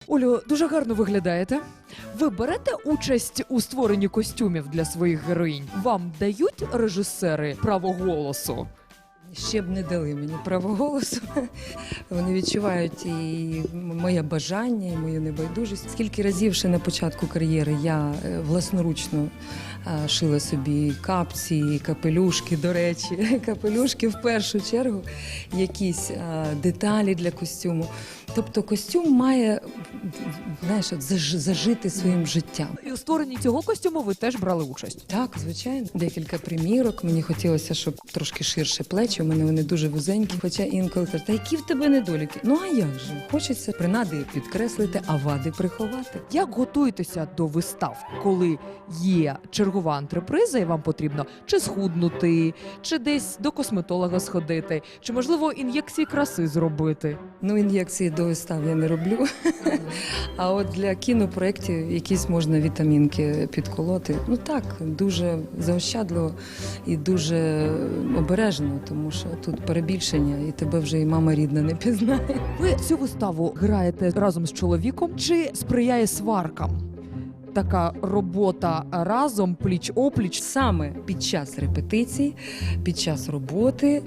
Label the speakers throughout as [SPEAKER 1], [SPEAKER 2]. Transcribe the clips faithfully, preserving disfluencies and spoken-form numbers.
[SPEAKER 1] Олю, дуже гарно виглядаєте. Ви берете участь у створенні костюмів для своїх героїнь? Вам дають режисери право голосу?
[SPEAKER 2] Ще б не дали мені право голосу. Вони відчувають і моє бажання, і мою небайдужість. Скільки разів ще на початку кар'єри я власноручно шила собі капці, капелюшки, до речі, капелюшки в першу чергу, якісь деталі для костюму. Тобто костюм має, знаєш, от зажити своїм життям.
[SPEAKER 1] І у створенні цього костюму ви теж брали участь?
[SPEAKER 2] Так, звичайно. Декілька примірок. Мені хотілося, щоб трошки ширше плечі. У мене вони дуже вузенькі. Хоча інколи кажуть, та які в тебе недоліки? Ну а як же? Хочеться принади підкреслити, а вади приховати.
[SPEAKER 1] Як готуєтеся до вистав, коли є чергова антреприза і вам потрібно чи схуднути, чи десь до косметолога сходити, чи, можливо, ін'єкції краси зробити?
[SPEAKER 2] Ну, ін'єкції до вистав я не роблю. А от для кінопроєктів якісь можна вітамінки підколоти. Ну так, дуже заощадливо і дуже обережно, тому що тут перебільшення, і тебе вже і мама рідна не пізнає.
[SPEAKER 1] Ви цю виставу граєте разом з чоловіком чи сприяє сваркам? Така робота разом, пліч-опліч.
[SPEAKER 2] Саме під час репетицій, під час роботи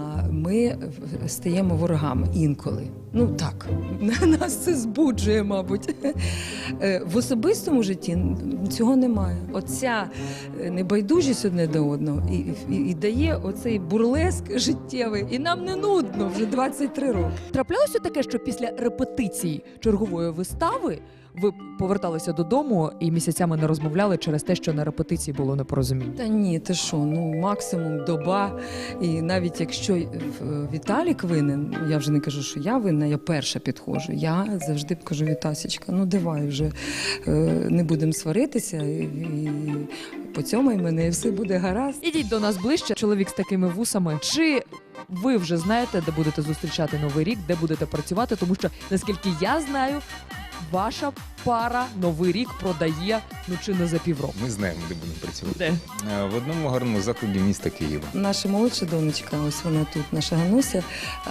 [SPEAKER 2] ми стаємо ворогами інколи. Ну так, нас це збуджує, мабуть. В особистому житті цього немає. Оця небайдужість одне до одного і, і, і дає оцей бурлеск життєвий. І нам не нудно вже двадцять три роки.
[SPEAKER 1] Траплялося таке, що після репетиції чергової вистави ви поверталися додому і місяцями не розмовляли через те, що на репетиції було непорозуміння?
[SPEAKER 2] Та ні, ти що, ну максимум доба. І навіть якщо Віталік винен, я вже не кажу, що я винна, я перша підходжу. Я завжди кажу, Вітасічка, ну давай вже не будемо сваритися і поцьомай мене, і все буде гаразд.
[SPEAKER 1] Ідіть до нас ближче, чоловік з такими вусами. Чи ви вже знаєте, де будете зустрічати Новий рік, де будете працювати? Тому що, наскільки я знаю, ваша пара Новий рік продає, ну чи не за півроку.
[SPEAKER 3] Ми знаємо, де будемо працювати.
[SPEAKER 1] Де?
[SPEAKER 3] В одному гарному закладі міста Києва.
[SPEAKER 2] Наша молодша донечка, ось вона тут, наша Гануся,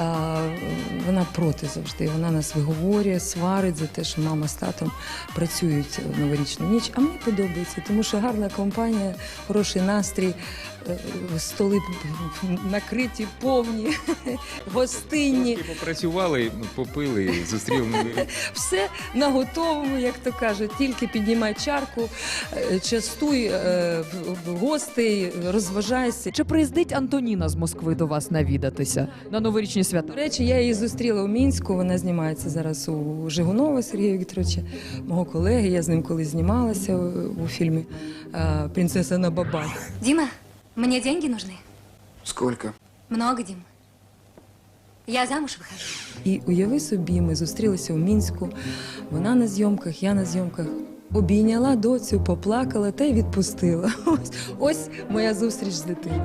[SPEAKER 2] вона проти завжди. Вона нас виговорює, сварить за те, що мама з татом працюють в новорічну ніч. А мені подобається, тому що гарна компанія, хороший настрій, столи накриті, повні, гостинні.
[SPEAKER 3] Трошки попрацювали, попили, зустріли Новий рік.
[SPEAKER 2] Все на готовому, як то кажуть, тільки піднімай чарку, частуй е, гостей, розважайся.
[SPEAKER 1] Чи приїздить Антоніна з Москви до вас навідатися на новорічні свята?
[SPEAKER 2] До речі, я її зустріла у Мінську, вона знімається зараз у Жигунова Сергія Вікторовича, мого колеги, я з ним колись знімалася у, у фільмі «Принцеса на бабах».
[SPEAKER 4] Дима, мне деньги нужны.
[SPEAKER 5] Сколько?
[SPEAKER 4] Много, Дим. Я замуж выхожу.
[SPEAKER 2] І уяви собі, ми зустрілися у Мінську, вона на зйомках, я на зйомках. Обійняла доцю, поплакала та й відпустила. Ось, ось моя зустріч з дитиною.